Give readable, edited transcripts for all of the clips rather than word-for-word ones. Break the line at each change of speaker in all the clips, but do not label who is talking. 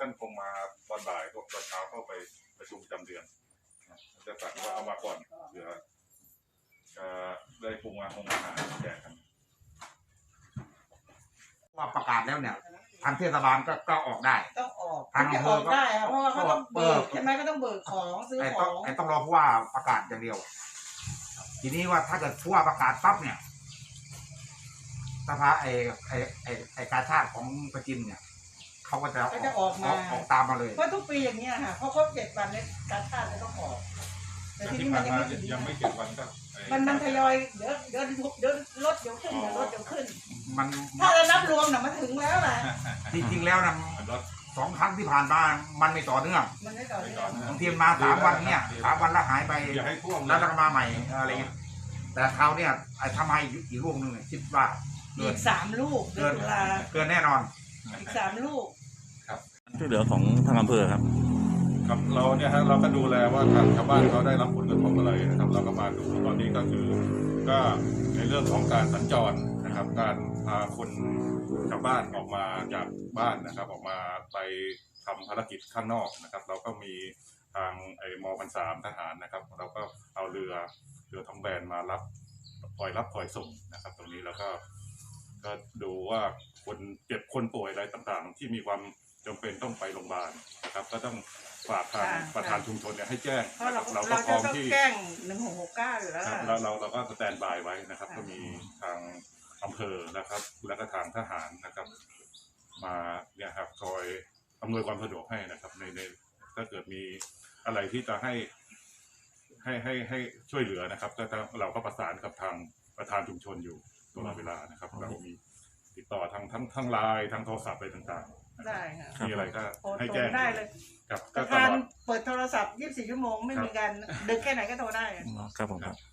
ท่านคงมาตอนบ่ายตอนเช้าเข้าไปประชุมจำเดือนจะสั่งว่าเอามาก่อนเผื่อได้ปรุงอาหารแจกกัน
ว่าประกาศแล้วเนี่ยทางเทศบาลก็ออกได้
ต้องออกทางอำเภอได้เพราะว่าเขาต้องเบิกใช่ไหมก็ต้องเบิกของซื้อของ
ต้องรอผู้ว่าประกาศอย่างเดียวทีนี้ว่าถ้าเกิดผู้ว่าประกาศปั๊บเนี่ยสภาไอกาชาติของประจินเนี่ยเขาก็จะ
ออกมา
ออกตามมาเลย
เพราะทุกปีอย่างเงี้ยค่ะเพราะครบ7 วันเนี่ยกาชาติจะต้องออกแต่ทีนี้มัน
ยังไม่7 วันก็
มันทยอยเดี๋ยวลดเดี๋ยวขึ้นเดี๋ยวลดเดี๋ยวขึ้น
มัน
ถ้าเรานับรวมน่ะมันถึงแล้วแหละ
จริงๆแล้วนะ2 ครั้งที่ผ่านมามันไม่ต่อเนื่องบางทีมา3 วันเนี่ย3 วันแล้วหายไปแล้วก็มาใหม่อะไรเงี้ยแต่คราวเนี่ยทำให้อีกลูกนึงคิดว่า
อีก3 ลูกเ
กินแน่นอน
อีก3 ลูก
ครับ
ช่วยเหลือของทางอำเภอครับ
ครับเราเนี่ยฮะเราก็ดูแลว่าทางชาวบ้านเขาได้รับผลกระทบอะไรนะครับเราก็มาดูตอนนี้ก็คือก็ในเรื่องของการสัญจรนะครับการพาคนชาวบ้านออกมาจากบ้านนะครับออกมาไปทำภารกิจข้างนอกนะครับเราก็มีทางม.3 ทหารนะครับเราก็เอาเรือท้องแบนมารับปล่อยส่งนะครับตรงนี้แล้วก็ดูว่าคนเจ็บคนป่วยอะไรต่างๆที่มีความจำเป็นต้องไปโรงพยาบาลนะครับก็ต้องฝากทางประธานชุมชนเนี่ยให้แจ้ง
เราก็พร้อมที่แจ้ง1669อยู่แล้ว
เราก็สแตนบายไว้นะครับก็มีทางอำเภอนะครับแล้วก็ทางทหารนะครับมาเนี่ยครับคอยอำนวยความสะดวกให้นะครับในถ้าเกิดมีอะไรที่จะให้ช่วยเหลือนะครับก็เราก็ประสานกับทางประธานชุมชนอยู่ตลอดเวลานะครับเรามีติดต่อทั้งไลน์ทางโทรศัพท์อะไรต่างๆ
ได้ค่ะ
มีอะไรก็ให้แจ้ง
ได้เลย
กับ
การเปิดโทรศัพท์24 ชั่วโมงไม่มีการดึกแค่ไหนก็โทรได้
ครับผมครับ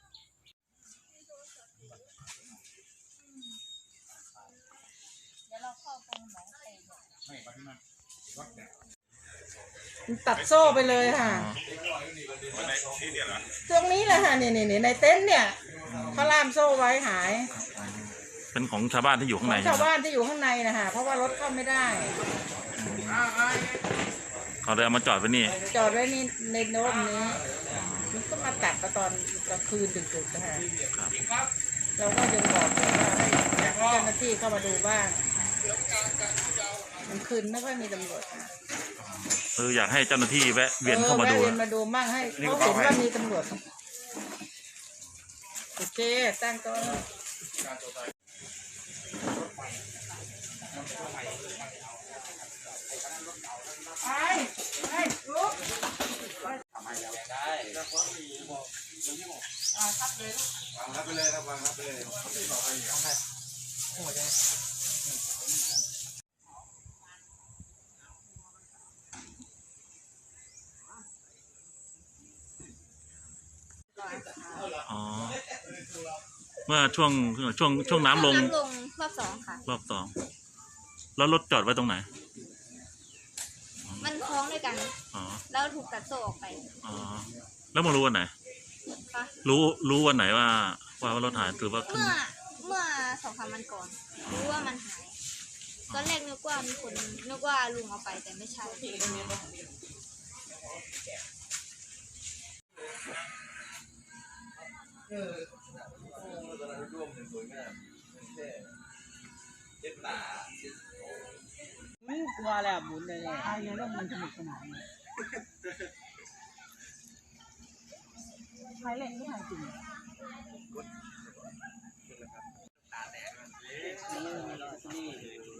ตัดโซ่ไปเลยค่ะตรงนี้แหละค่ะนี่ในเต็นท์เนี่ยเขาล่ามโซ่ไว้หาย
เป็นของชาวบ้านที่อยู่ข้างใน
ชาวบ้านที่อยู่ข้างในนะคะเพราะว่ารถเข้าไม่ได้
เขาเลยเอามาจอดไว้นี่
จอดไว้นี่ในโน้มนี้มันก็มาตัดตอนกลางคืนดึกๆนะคะเราก็ยังบอกว่าให้เจ้าหน้าที่เข้ามาดูบ้างมันคืนไม่ค่อยมีตำรวจ
อยากให้เจ้าหน้าที่แวะเวียนเข้ามาดู
มั่งให้เขาเห็นว่ามีตำรวจโอเคตั้งโต๊ะไปลุกทำให้แล้วได้ครับเลยวางรับไปเลยครับวางรับไปเลย
อ๋อเมื่อช่วงน้ำลง
รอบ 2ค่ะ
รอบ 2แล้วรถจอดไว้ตรงไหน
มันคล้องด้วยกันแล้วถูกตัดโซ่ออกไป
แล้วมารู้วันไหนรู้วันไหนว่ารถหายหรือว่า
เมื่อ2-3 วันก่อนรู้ว่ามันหายตอนแรกนึกว่าลุงเอาไปแต่ไม่ใช่
ไม่กลัวแล้วบุญเลยไอ้เนี่ยเรื่องมันสนุกสนานใช้เล่นที่ไหนจริงนี่